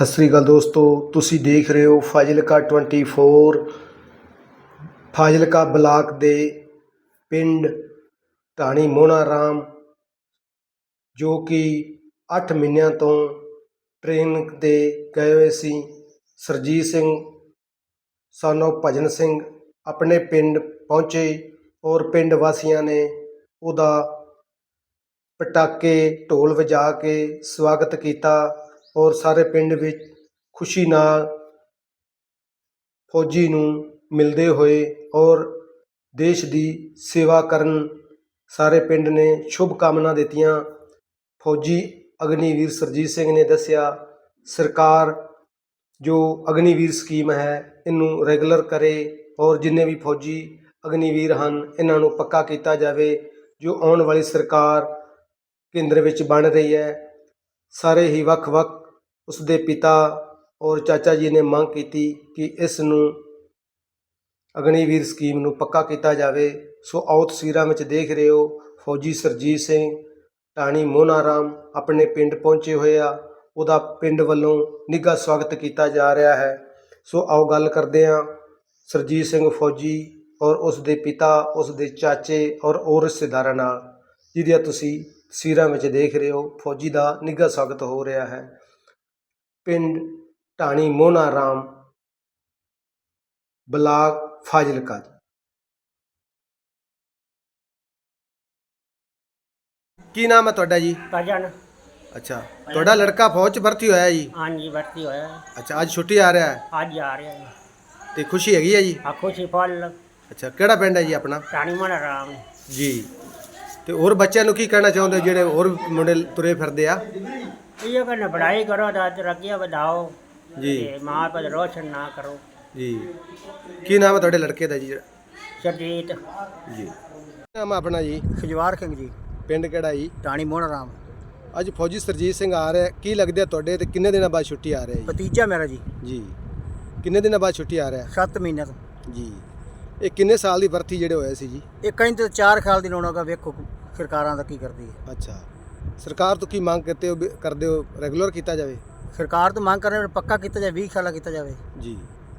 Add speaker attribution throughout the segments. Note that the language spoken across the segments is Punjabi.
Speaker 1: ਸਤਿ ਸ੍ਰੀ ਅਕਾਲ ਦੋਸਤੋ, ਤੁਸੀਂ ਦੇਖ ਰਹੇ ਹੋ ਫਾਜ਼ਿਲਕਾ 24। ਫਾਜ਼ਿਲਕਾ ਬਲਾਕ ਦੇ ਪਿੰਡ ਢਾਣੀ ਮੋਹਣਾ ਰਾਮ, ਜੋ ਕਿ 8 ਮਹੀਨਿਆਂ ਤੋਂ ਟ੍ਰੇਨਿੰਗ 'ਤੇ ਗਏ ਹੋਏ ਸੀ। ਸਰਜੀਤ ਸਿੰਘ son of ਭਜਨ ਸਿੰਘ ਆਪਣੇ ਪਿੰਡ ਪਹੁੰਚੇ ਔਰ ਪਿੰਡ ਵਾਸੀਆਂ ਨੇ ਉਹਦਾ ਪਟਾਕੇ ਢੋਲ ਵਜਾ ਕੇ ਸਵਾਗਤ ਕੀਤਾ ਔਰ ਸਾਰੇ ਪਿੰਡ ਵਿੱਚ ਖੁਸ਼ੀ ਨਾਲ ਫੌਜੀ ਨੂੰ ਮਿਲਦੇ ਹੋਏ ਔਰ ਦੇਸ਼ ਦੀ ਸੇਵਾ ਕਰਨ ਸਾਰੇ ਪਿੰਡ ਨੇ ਸ਼ੁਭ ਕਾਮਨਾ ਦਿੱਤੀਆਂ। ਫੌਜੀ ਅਗਨੀਵੀਰ ਸਰਜੀਤ ਸਿੰਘ ਨੇ ਦੱਸਿਆ, ਸਰਕਾਰ ਜੋ ਅਗਨੀਵੀਰ ਸਕੀਮ ਹੈ ਇਹਨੂੰ ਰੈਗੂਲਰ ਕਰੇ ਔਰ ਜਿੰਨੇ ਵੀ ਫੌਜੀ ਅਗਨੀਵੀਰ ਹਨ ਇਹਨਾਂ ਨੂੰ ਪੱਕਾ ਕੀਤਾ ਜਾਵੇ। ਜੋ ਆਉਣ ਵਾਲੀ ਸਰਕਾਰ ਕੇਂਦਰ ਵਿੱਚ ਬਣ ਰਹੀ ਹੈ, ਸਾਰੇ ਹੀ ਵੱਖ-ਵੱਖ ਉਸਦੇ ਪਿਤਾ ਔਰ ਚਾਚਾ ਜੀ ਨੇ ਮੰਗ ਕੀਤੀ ਕਿ ਇਸ ਨੂੰ ਅਗਨੀਵੀਰ ਸਕੀਮ ਨੂੰ ਪੱਕਾ ਕੀਤਾ ਜਾਵੇ। ਸੋ ਆਓ ਤਸਵੀਰਾਂ ਵਿੱਚ ਦੇਖ ਰਹੇ ਹੋ, ਫੌਜੀ ਸਰਜੀਤ ਸਿੰਘ ਢਾਣੀ ਮੋਹਣਾ ਰਾਮ ਆਪਣੇ ਪਿੰਡ ਪਹੁੰਚੇ ਹੋਏ ਆ। ਉਹਦਾ ਪਿੰਡ ਵੱਲੋਂ ਨਿੱਘਾ ਸਵਾਗਤ ਕੀਤਾ ਜਾ ਰਿਹਾ ਹੈ। ਸੋ ਆਓ ਗੱਲ ਕਰਦੇ ਹਾਂ ਸਰਜੀਤ ਸਿੰਘ ਫੌਜੀ ਔਰ ਉਸ ਦੇ ਪਿਤਾ, ਉਸ ਦੇ ਚਾਚੇ ਔਰ ਹੋਰ ਰਿਸ਼ਤੇਦਾਰਾਂ ਨਾਲ, ਜਿਹਦੀਆਂ ਤੁਸੀਂ ਤਸਵੀਰਾਂ ਵਿੱਚ ਦੇਖ ਰਹੇ ਹੋ। ਫੌਜੀ ਦਾ ਨਿੱਘਾ ਸਵਾਗਤ ਹੋ ਰਿਹਾ ਹੈ ਪਿੰਡ ਢਾਣੀ ਮੋਹਣਾ ਰਾਮ, ਬਲਾਕ ਫਾਜ਼ਿਲਕਾ। ਕੀ ਨਾਮ ਹੈ ਤੁਹਾਡਾ ਜੀ?
Speaker 2: ਭਜਨ।
Speaker 1: ਅੱਛਾ, ਤੁਹਾਡਾ ਲੜਕਾ ਫੌਜ 'ਚ ਭਰਤੀ ਹੋਇਆ ਜੀ?
Speaker 2: ਹਾਂਜੀ, ਭਰਤੀ ਹੋਇਆ ਹੈ।
Speaker 1: ਅੱਛਾ, ਅੱਜ ਛੁੱਟੀ ਆ ਰਿਹਾ ਹੈ?
Speaker 2: ਅੱਜ ਆ ਰਿਹਾ ਹੈ।
Speaker 1: ਤੇ ਖੁਸ਼ੀ ਹੈਗੀ ਹੈ ਜੀ?
Speaker 2: ਆ ਖੁਸ਼ੀ ਫੁੱਲ।
Speaker 1: ਅੱਛਾ, ਕਿਹੜਾ ਪਿੰਡ ਹੈ ਜੀ ਆਪਣਾ?
Speaker 2: ਢਾਣੀ ਮੋਹਣਾ ਰਾਮ
Speaker 1: ਜੀ। ਤੇ ਹੋਰ ਬੱਚਿਆਂ ਨੂੰ ਕੀ ਕਹਿਣਾ ਚਾਹੁੰਦੇ ਜਿਹੜੇ ਹੋਰ ਮੁੰਡੇ ਤੁਰੇ ਫਿਰਦੇ ਆ?
Speaker 2: ਇਹ ਕਹਿੰਦੇ ਪੜ੍ਹਾਈ ਕਰੋ ਤਾਂ ਤਰੱਕੀਆਂ ਵਧਾਓ
Speaker 1: ਜੀ
Speaker 2: ਤੇ ਮਾਂ ਪਿਓ ਰੋਸ਼ਨ ਨਾ ਕਰੋ।
Speaker 1: ਜੀ। ਕੀ ਨਾਮ ਹੈ ਤੁਹਾਡੇ ਲੜਕੇ ਦਾ ਜੀ?
Speaker 2: ਸਰਜੀਤ।
Speaker 1: ਜੀ। ਨਾਮ ਹੈ ਆਪਣਾ ਜੀ?
Speaker 2: ਖਜਵਾਰ ਸਿੰਘ ਜੀ,
Speaker 1: ਪਿੰਡ ਕਿਹੜਾ ਜੀ?
Speaker 2: ਢਾਣੀ ਮੋਹਣਾ ਰਾਮ।
Speaker 1: ਅੱਜ ਫੌਜੀ ਸਰਜੀਤ ਸਿੰਘ ਆ ਰਿਹਾ, ਕੀ ਲੱਗਦਾ ਤੁਹਾਡੇ ਤੇ ਕਿੰਨੇ ਦਿਨਾਂ ਬਾਅਦ ਛੁੱਟੀ ਆ ਰਿਹਾ ਜੀ?
Speaker 2: ਭਤੀਜਾ ਮੇਰਾ ਜੀ।
Speaker 1: ਜੀ। ਕਿੰਨੇ ਦਿਨਾਂ ਬਾਅਦ ਛੁੱਟੀ ਆ ਰਿਹਾ?
Speaker 2: 7 ਮਹੀਨਿਆਂ ਤੋਂ
Speaker 1: ਜੀ। ਇਹ ਕਿੰਨੇ ਸਾਲ ਦੀ ਭਰਤੀ ਜਿਹੜੇ ਹੋਏ ਸੀ ਜੀ?
Speaker 2: ਇਹ ਕਹਿੰਦੇ 4 ਸਾਲ ਦੀ ਲੋੜਾਂਗਾ, ਵੇਖੋ ਸਰਕਾਰਾਂ ਦਾ ਕੀ ਕਰਦੀ ਹੈ।
Speaker 1: ਅੱਛਾ, ਸਰਕਾਰ ਤੋਂ ਕੀ ਮੰਗ ਕਰਦੇ ਹੋ ਰੈਗੂਲਰ ਕੀਤਾ ਜਾਵੇ?
Speaker 2: ਸਰਕਾਰ ਤੋਂ ਮੰਗ ਕਰ ਰਹੇ ਪੱਕਾ ਕੀਤਾ ਜਾਵੇ, 20 ਸਾਲਾ ਕੀਤਾ ਜਾਵੇ
Speaker 1: ਜੀ।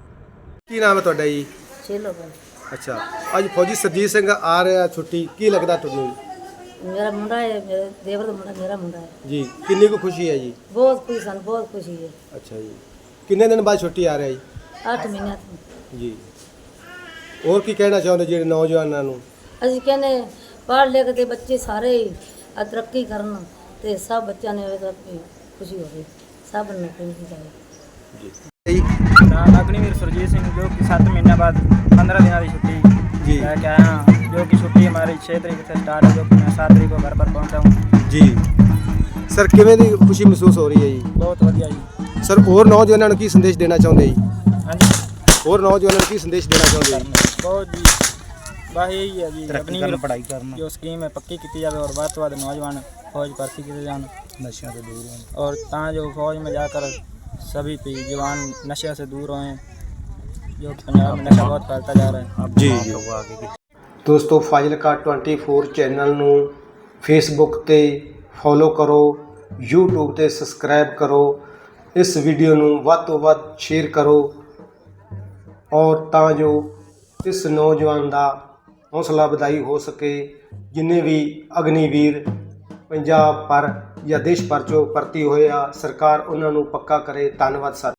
Speaker 1: ਕੀ ਨਾਮ ਹੈ ਤੁਹਾਡਾ ਜੀ?
Speaker 2: ਚਲੋ
Speaker 1: ਅੱਛਾ, ਅੱਜ ਫੌਜੀ ਸਰਜੀਤ ਸਿੰਘ ਆ ਰਿਹਾ ਛੁੱਟੀ, ਕੀ ਲੱਗਦਾ ਤੁਹਾਨੂੰ?
Speaker 2: ਮੇਰਾ ਮੁੰਡਾ ਹੈ, ਮੇਰੇ ਦੇਵਰ ਦਾ ਮੁੰਡਾ, ਮੇਰਾ ਮੁੰਡਾ ਹੈ
Speaker 1: ਜੀ। ਕਿੰਨੀ ਕੁ ਖੁਸ਼ੀ ਹੈ ਜੀ?
Speaker 2: ਬਹੁਤ ਖੁਸ਼ੀ ਸਾਨੂੰ, ਬਹੁਤ ਖੁਸ਼ੀ ਹੈ।
Speaker 1: ਅੱਛਾ ਜੀ। ਕਿੰਨੇ ਦਿਨ ਬਾਅਦ ਛੁੱਟੀ ਆ ਰਿਹਾ ਜੀ?
Speaker 2: 8 ਮਹੀਨਿਆਂ ਤੋਂ
Speaker 1: ਜੀ। ਹੋਰ ਕੀ ਕਹਿਣਾ ਚਾਹੁੰਦੇ ਜਿਹੜੇ ਨੌਜਵਾਨਾਂ ਨੂੰ?
Speaker 2: ਅਸੀਂ ਕਹਿੰਦੇ ਪੜ੍ਹ ਲਿਖ ਕੇ ਬੱਚੇ ਸਾਰੇ ਹੀ ਤਰੱਕੀ ਕਰਨ ਤੇ ਸਭ ਬੱਚਿਆਂ ਨੇ ਖੁਸ਼ੀ ਹੋਵੇ, ਸਭ ਨੂੰ ਨੌਕਰੀ ਜਾਵੇ।
Speaker 1: ਜੀ।
Speaker 3: अग्निवीर सुरजीत सिंह, जो कि 7 महीने बाद 15 दिनों की छुट्टी
Speaker 1: जी
Speaker 3: लेके आया हूँ। जो कि छुट्टी हमारी 6 तारीख से स्टार्ट है, जो कि मैं 7 तारीख को घर पर पहुँचा हूँ
Speaker 1: ਜੀ। ਸਰ ਕਿਵੇਂ ਦੀ ਖੁਸ਼ੀ ਮਹਿਸੂਸ ਹੋ ਰਹੀ ਹੈ ਜੀ?
Speaker 3: बहुत वधिया जी।
Speaker 1: ਸਰ ਹੋਰ ਨੌਜਵਾਨਾਂ ਨੂੰ ਕੀ ਸੰਦੇਸ਼ ਦੇਣਾ ਚਾਹੁੰਦੇ ਜੀ?
Speaker 3: हाँ जी,
Speaker 1: ਹੋਰ ਨੌਜਵਾਨਾਂ ਨੂੰ ਕੀ ਸੰਦੇਸ਼ ਦੇਣਾ ਚਾਹੁੰਦੇ ਜੀ?
Speaker 3: बहुत जी, बस यही है जी, अग्निवीर पढ़ाई करना जो स्कीम है पक्की की जाए और ਵੱਧ ਤੋਂ ਵੱਧ नौजवान फौज भर्ती किए जान, नशे से दूर रहें और जो फौज में जाकर सभी जवान नशे से दूर रहें, जो पंजाब में नशा बहुत फैलता जा रहा है।
Speaker 1: ਜੀ ਜੀ। ਦੋਸਤੋ, ਫਾਜ਼ਿਲਕਾ 24 ਚੈਨਲ ਨੂੰ ਫੇਸਬੁੱਕ ਤੇ ਫੋਲੋ ਕਰੋ, YouTube ਤੇ ਸਬਸਕ੍ਰਾਈਬ ਕਰੋ, ਇਸ ਵੀਡੀਓ ਨੂੰ ਵੱਧ ਤੋਂ ਵੱਧ ਸ਼ੇਅਰ ਕਰੋ ਔਰ ਤਾਂ ਜੋ ਇਸ ਨੌਜਵਾਨ ਦਾ ਹੌਸਲਾ ਵਧਾਈ ਹੋ ਸਕੇ। ਜਿੰਨੇ ਵੀ ਅਗਨੀਵੀਰ ਪੰਜਾਬ ਪਰ ਜਾਂ ਦੇਸ਼ ਭਰ 'ਚੋਂ ਭਰਤੀ ਹੋਏ ਆ, ਸਰਕਾਰ ਉਹਨਾਂ ਨੂੰ ਪੱਕਾ ਕਰੇ। ਧੰਨਵਾਦ ਸਰ।